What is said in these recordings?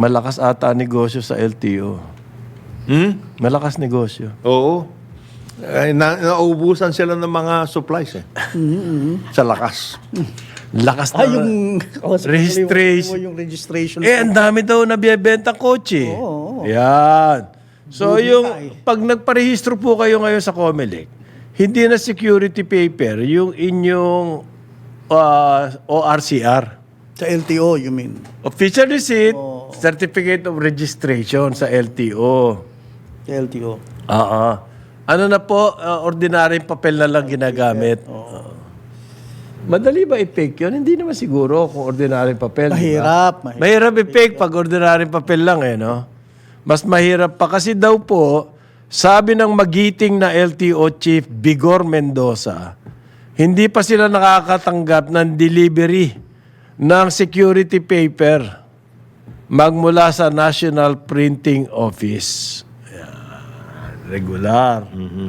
Malakas ata negosyo sa LTO. Malakas negosyo. Oo. Nauubusan sila ng mga supplies eh. Sa lakas. Lakas na. Yung Registration. Yung registration. Ang dami daw na biyebenta kotse. Oo. Yan. So, pag nagparehistro po kayo ngayon sa Comelec, hindi na security paper, yung inyong ORCR. Sa LTO, you mean? Official receipt, certificate of registration sa LTO. Sa LTO. Ano na po, ordinaryong papel na lang ginagamit. Madali ba i-fake yun? Hindi naman siguro kung ordinaryong papel. Mahirap. Diba? Mahirap i-fake pag ordinaryong papel lang no? Mas mahirap pa kasi daw po, sabi ng magiting na LTO Chief Bigor Mendoza, hindi pa sila nakakatanggap ng delivery ng security paper magmula sa National Printing Office. Regular.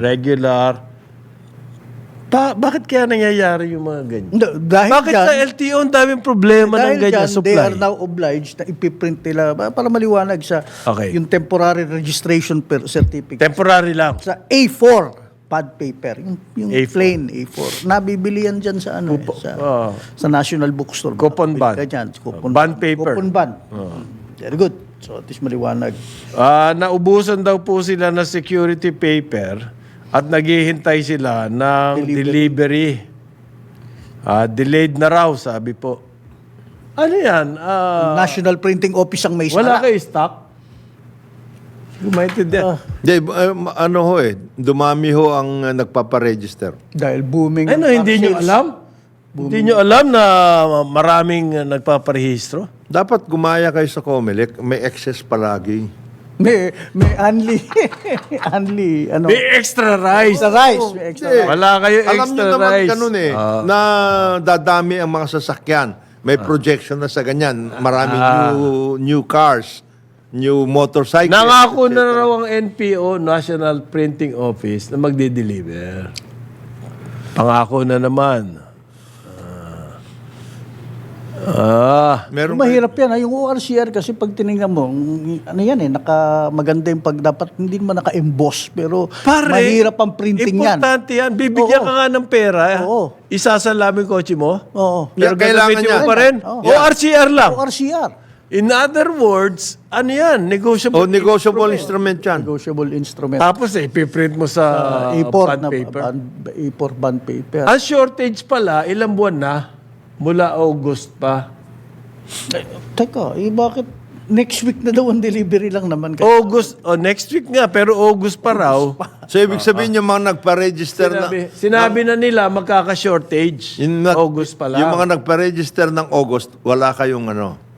Bakit kaya nangyayari yung mga ganyan? Dahil Bakit dyan, sa LTO ang daming problema ng ganyan dyan, supply? they are now obliged na ipiprint nila para maliwanag sa Okay. yung temporary registration certificate. Temporary lang. Sa A4 pad paper, yung A4. plain A4. Nabibili yan dyan sa sa National Bookstore. Coupon bond. Ganyan, coupon Bond paper. Coupon bond. Very good. So, at least maliwanag. Naubusan daw po sila ng security paper at naghihintay sila ng delivery. Delayed na raw, sabi po. Ano yan? National Printing Office ang may Wala sara. kayo stock? Gumaintindihan. Dumami ho ang nagpaparegister. Dahil booming. Ano, hindi nyo alam? Hindi nyo alam na maraming nagpaparehistro? Dapat gumaya kayo sa Comelec, may excess palagi. May only, ano. May extra rice. Extra rice. May extra rice. Wala kayo Alam extra nyo naman rice. ganun na dadami ang mga sasakyan. May projection na sa ganyan. Maraming new cars, new motorcycles. Nangako etc. na raw ang NPO, National Printing Office, na magde-deliver. Pangako na naman. Meron Mahirap yan. Yung ORCR kasi pag tinignan mo, ano yan maganda yung pag dapat hindi naman naka-emboss. Pero mahirap ang printing yan. Importante yan. Bibigyan ka nga ng pera. Oo. Isasalamin kotse mo. Oo. Pero Kailangan gagamitin niya. mo pa rin. Oo. ORCR lang. ORCR. In other words, ano yan? Negotiable. negotiable instrument yan. Negotiable instrument. Tapos ipiprint mo sa A4 bond na paper. A4 bond paper. Ang shortage pala, ilang buwan na? Mula August pa. Teka, bakit next week na daw ang delivery lang naman? August, next week nga, pero August pa raw. So, ibig sabihin yung mga nagpa-register Sinabi na nila magkaka-shortage. August pa lang. Yung mga nagpa-register ng August, wala kayong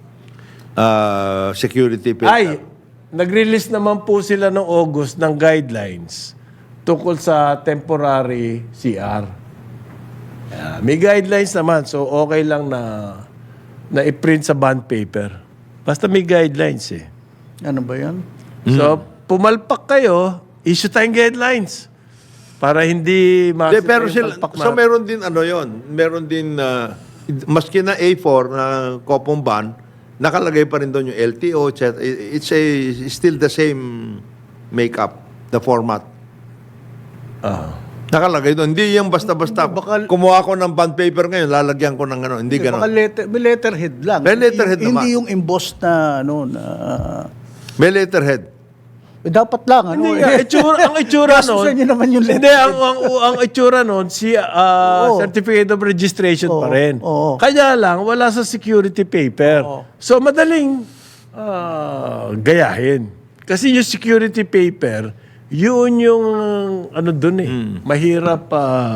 security paper. Ay, nag-release naman po sila ng August ng guidelines tungkol sa temporary CR. May guidelines naman, so okay lang na i-print sa bond paper. Basta may guidelines Ano ba yan? So, pumalpak kayo, issue tayong guidelines. Para hindi Pero so meron din meron din maski na A4 na coupon bond, nakalagay pa rin doon yung LTO, etc. It's still the same makeup, the format. Nakalagay doon. Hindi yung basta-basta. Kumuha ko ng bond paper ngayon, lalagyan ko ng Hindi Baka gano'n. may letterhead lang. May letterhead naman. Hindi yung embossed na, May letterhead. dapat lang, Hindi nga, ang itsura nun. Gastusan nyo naman yung Hindi, letterhead. ang itsura nun, certificate of registration pa rin. Oo. Kaya lang, wala sa security paper. So, madaling gayahin. Kasi yung security paper, yun yung dun mahirap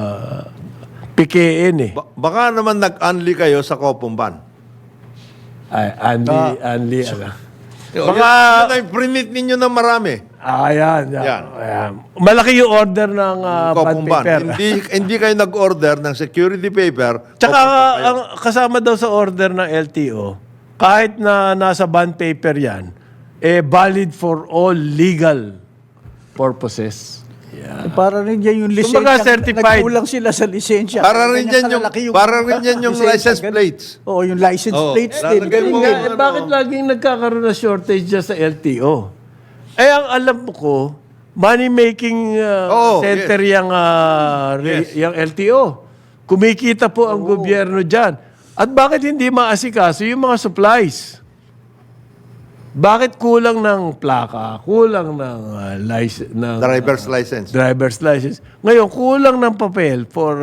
pikein Baka naman nag-unli kayo sa coupon bond. Ay, Anli. Baka print ninyo ng marami. Yan. Malaki yung order ng bond Coupon bond. paper. Hindi kayo nag-order ng security paper. Tsaka ang kasama daw sa order ng LTO, kahit na nasa bond paper yan, valid for all legal purposes. Para rin yan yung lisensya. Kumbaga, certified. Nagkulang sila sa lisensya. Para rin Ganyan yan yung, kalalaki para rin yan yung lisensya. license plates. Oo, yung license Oo. plates din. Lalagay mo Nga, ano. bakit laging nagkakaroon ng shortage dyan sa LTO? Ang alam ko, money-making center yung LTO. Kumikita po ang gobyerno dyan. At bakit hindi maasikaso yung mga supplies? Bakit kulang ng plaka? Kulang ng license? Driver's license. Driver's license. Ngayon, kulang ng papel for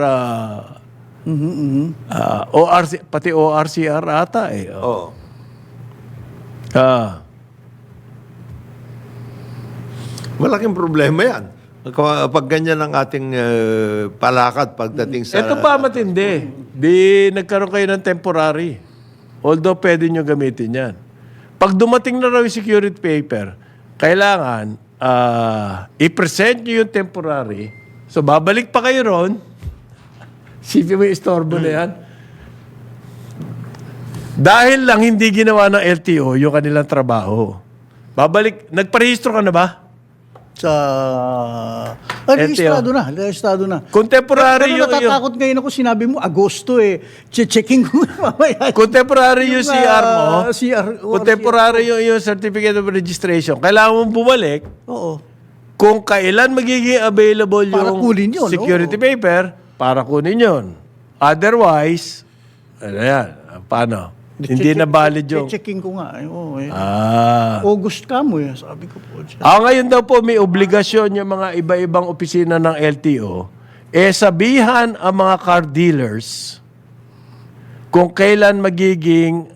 ORC, pati ORCR ata eh. Oo. Malaking problema yan. Pag ganyan ang ating palakad pagdating sa... Ito pa matindi. Di nagkaroon kayo ng temporary. Although pwede nyo gamitin yan. Pag dumating na raw yung security paper, kailangan i-present nyo yung temporary. So babalik pa kayo ron. Sipin mo yung istorbo na yan. Dahil lang hindi ginawa ng LTO yung kanilang trabaho. Babalik. Nagparehistro ka na ba? Sa... Rehistado na. Rehistado na. Contemporary Pero natatakot ngayon ako, sinabi mo, Agosto eh. Checking ko mamaya. Contemporary yung CR mo. CR. Contemporary yung Certificate of Registration. Kailangan mong bumalik Oo. kung kailan magiging available Para yung kunin yun, security oo. paper para kunin yun. Otherwise, ano yan? Paano? Hindi na valid yung... Checking ko nga. Oo, eh. Ah. August ka mo eh. Sabi ko po. Ngayon daw po may obligasyon yung mga iba-ibang opisina ng LTO sabihan ang mga car dealers kung kailan magiging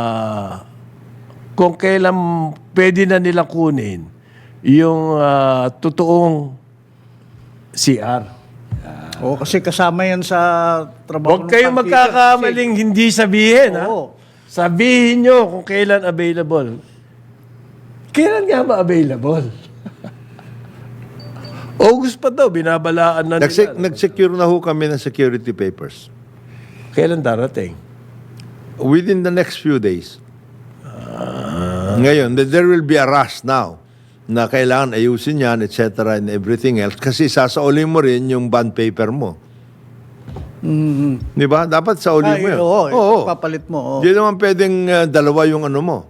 kung kailan pwede na nila kunin yung totoong CR. Oo, kasi kasama yan sa trabaho. Huwag kayong magkakamaling hindi sabihin. Oo. Sabihin nyo kung kailan available. Kailan nga ba available? August pa daw, binabalaan na nila. Nag-secure na ho kami ng security papers. Kailan darating? Within the next few days. Ngayon, there will be a rush now na kailangan ayusin yan, etc. and everything else. Kasi sasaulin mo rin yung bond paper mo. Di ba? Dapat saulin mo yun. Oo, papalit mo. Oo. Hindi naman pwedeng dalawa yung ano mo.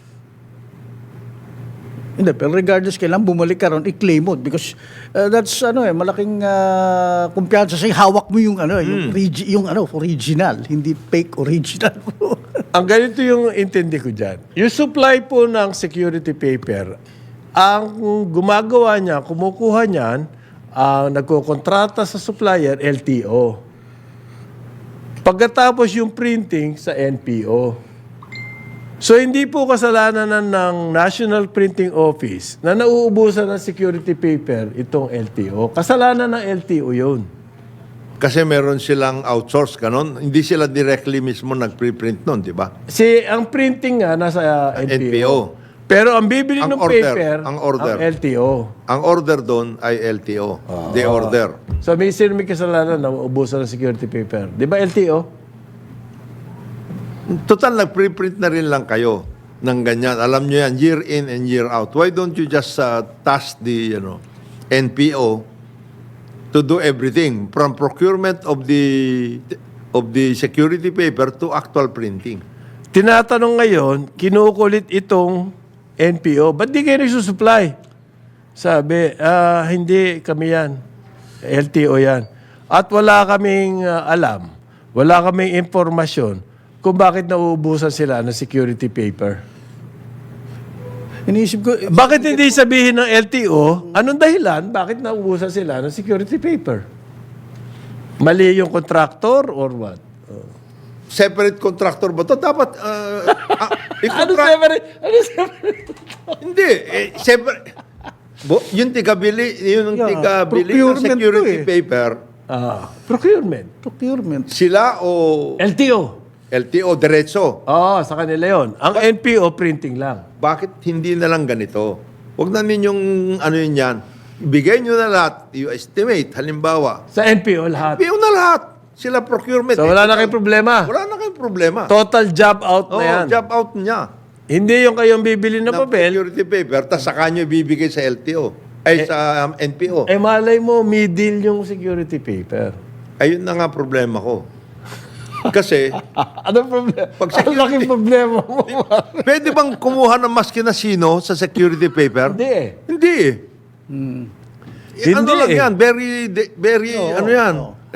Hindi, pero regardless, kailangan bumalik ka ron, i-claim mo. Because that's, malaking kumpiyansa sa'yo. Hawak mo yung, yung original, hindi fake original. Ang ganito yung intindi ko dyan. Yung supply po ng security paper, ang gumagawa niya, kumukuha niyan, ang nagkokontrata sa supplier, LTO. Pagkatapos yung printing sa NPO. So, hindi po kasalanan ng National Printing Office na nauubusan ng security paper itong LTO. Kasalanan ng LTO yun. Kasi meron silang outsource kanon. Hindi sila directly mismo nag-preprint nun, di ba? Ang printing nga nasa NPO. NPO. Pero ang bibili ng paper, ang order. ang LTO. Ang order doon ay LTO. The order. So, may kasalanan na ubusan ng security paper. Di ba LTO? Total, nag-preprint na rin lang kayo ng ganyan. Alam nyo yan, year in and year out. Why don't you just task the NPO to do everything from procurement of the security paper to actual printing? Tinatanong ngayon, kinukulit itong NPO, ba't di kayo nagsusupply? Sabi, hindi kami yan. LTO yan. At wala kaming alam, wala kaming informasyon kung bakit nauubusan sila ng security paper. Iniisip ko, Bakit hindi sabihin ng LTO, anong dahilan, bakit nauubusan sila ng security paper? Mali yung contractor or what? Separate contractor ba to? Dapat, Ano separate? Hindi. Separate. Yung tigabili, yung Yeah, tigabili ng procurement security to eh. paper, Procurement. sila o LTO. LTO, diretso. Sa kanila yon. Ang NPO, printing lang. Bakit hindi na lang ganito? Huwag na ninyong yun yan. Ibigay nyo na lahat. You estimate, halimbawa. Sa NPO, lahat. Ibigay na lahat. Sila procurement. So, wala na kayong problema. Wala na kayong problema. Total job out na yan. Job out niya. Hindi yung kayong bibili ng Ng papel. security paper, tapos saka nyo ibibigay sa LTO. Ay, sa NPO. Eh malay mo, middle yung security paper. Ayun na nga problema ko. Kasi, Anong problema? Pag Ang laking problema mo. pwede bang kumuha ng maski na sino sa security paper? Hindi eh. Hindi eh. Ano Hindi lang eh. yan? Very, ano yan?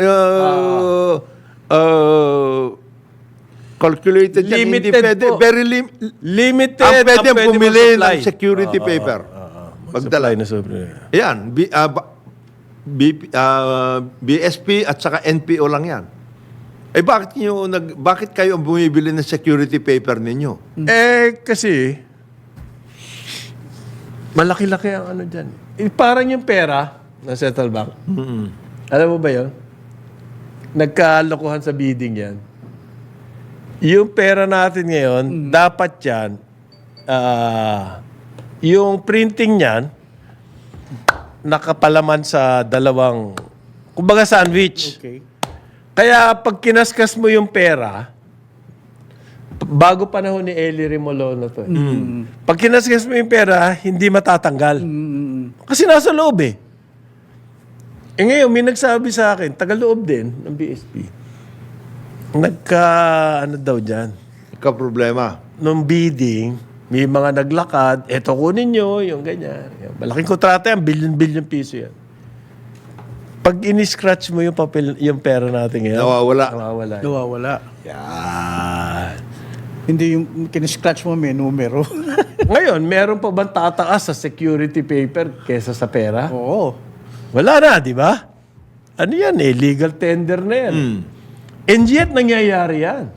Calculated yan. Hindi Limited pwede. po. Very Limited ang pwede ang bumili mag-supply. ng security paper. Magdala na sobre. Yan. BSP at saka NPO lang yan. Eh bakit kayo ang bumibili ng security paper ninyo? Eh, kasi, malaki-laki ang ano dyan. Eh, parang yung pera ng Central Bank. Alam mo ba yun? Nagkalokohan sa bidding yan. Yung pera natin ngayon, dapat yan, yung printing niyan, nakapalaman sa dalawang, kumbaga sandwich. Okay. Kaya pag kinaskas mo yung pera, bago panahon ni Eli Rimolono to. Pag kinaskas mo yung pera, hindi matatanggal. Kasi nasa loob eh. Eh ngayon, may nagsabi sa akin, taga-loob din ng BSP. Ano daw dyan? Problema. Nung bidding, may mga naglakad, eto kunin nyo, yung ganyan. Malaking kontrata yan, billion-billion piso yan. Pag in-scratch mo yung papel, yung pera natin ngayon, Nawawala. nawawala. Nawawala. Yan. Hindi yung kiniscratch mo may numero. Ngayon, meron pa bang tataas sa security paper kesa sa pera? Oo. Wala na, di ba? Ano yan eh, legal tender na yan. And yet, nangyayari yan.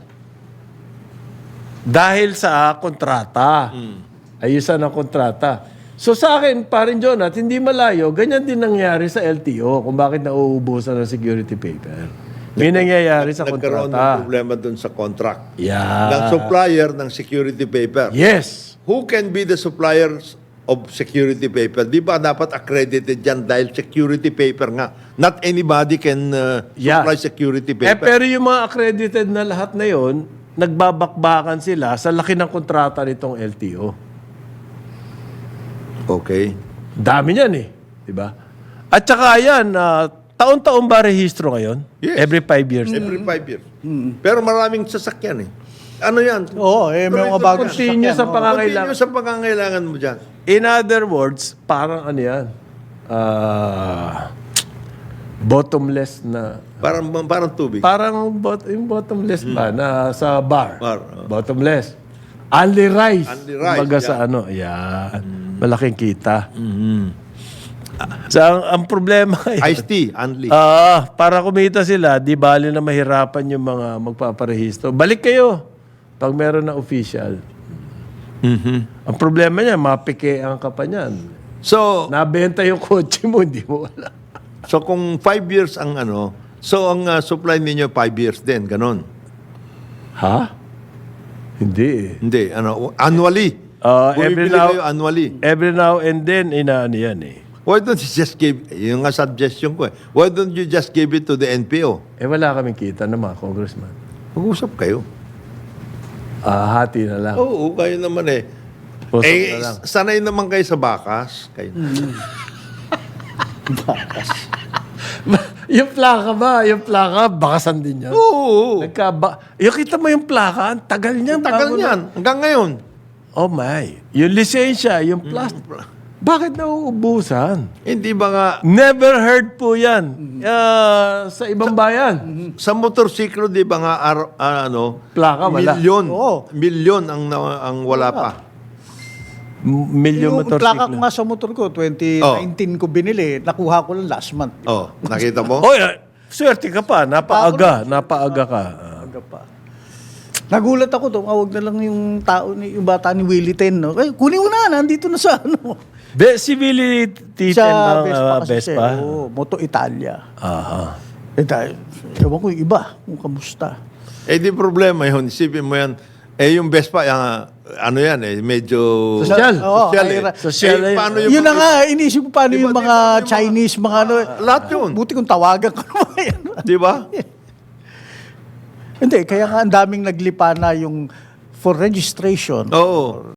Dahil sa kontrata. Ayusan ng kontrata. So sa akin, parin John, at hindi malayo, ganyan din nangyari sa LTO kung bakit nauubusan ng security paper. May nangyayari sa Nagkaroon ng kontrata. problema dun sa contract. Yeah. Ng supplier ng security paper. Yes. Who can be the suppliers of security paper? Di ba dapat accredited yan dahil security paper nga. Not anybody can Yeah. supply security Eh, paper. pero yung mga accredited na lahat na yon, nagbabakbakan sila sa laki ng kontrata nitong LTO. Okay. Dami niyan eh. Di ba? At saka yan, taon-taon ba rehistro ngayon? Yes. Every 5 years. Every 5 years. Pero maraming sasakyan eh. Ano yan? Oo, may mga bagong Continue sa sasakyan, oo. pangangailangan. Continue sa pangangailangan mo dyan. In other words, parang ano yan, bottomless na, Parang tubig. parang yung bottomless ba na sa bar. Bar, Bottomless. Only rice. Only rice, Kumbaga yeah. sa ano, yan. Malaking kita. So, ang problema ngayon, Iced tea, only. para kumita sila, di bali na mahirapan yung mga magpaparehistro. Balik kayo pag meron na official. Ang problema niya, mapikean ka pa niyan. So, Nabenta yung kotse mo, hindi mo wala. so kung 5 years ang ano, so ang supply ninyo 5 years din, ganon. Ha? Hindi eh. Hindi, ano, annually. Every Bumibili now, kayo annually. every now and then, inaano yan eh. Why don't you just give, yung nga suggestion ko eh, why don't you just give it to the NPO? Eh wala kaming kita na mga congressman. Mag-usap kayo. Hati na lang. Oo, kayo naman eh. Usap Eh, na lang. sanay naman kayo sa bakas. Kayo. Yung plaka ba? Yung plaka, bakasan din yan. Oo. Yung kita mo yung plaka, ang tagal niyan. Tagal bago na- niyan. Hanggang ngayon. Oh my. Yung lisensya, yung plastic. Bakit nauubusan? Hindi ba nga, Never heard po yan sa ibang bayan. sa motorsiklo, di ba nga, Plaka, wala. milyon. Oo. Milyon ang wala pa. Milyon Yung plaka ko motorsiklo. nga sa motor ko, 2019 ko binili, nakuha ko lang last month. Oh, nakita mo? Oy, swerte ka pa. Napaaga ka. Aga pa. Nagulat ako, tumawag na lang yung tao, yung bata ni Willie Ten. No? Eh, kunin mo na, nandito na sa ano. Civility Sa ng Vespa kasi. Vespa. Oo, Moto Italia. Aha. Eh dahil, ewan ko yung iba, kung kamusta. Eh, di problema yun. Isipin mo yan. Eh, yung Vespa, ano yan eh, medyo... Sosyal. Oo, Sosyal ay, eh. Sosyal Eh, na yun. paano yung... Yun na nga, inisip ko paano yung mga Chinese, mga ano. Lahat yun. Buti kung tawagan ko naman yan. Di ba? Hindi, kaya nga ang daming naglipa na yung for registration. Oo.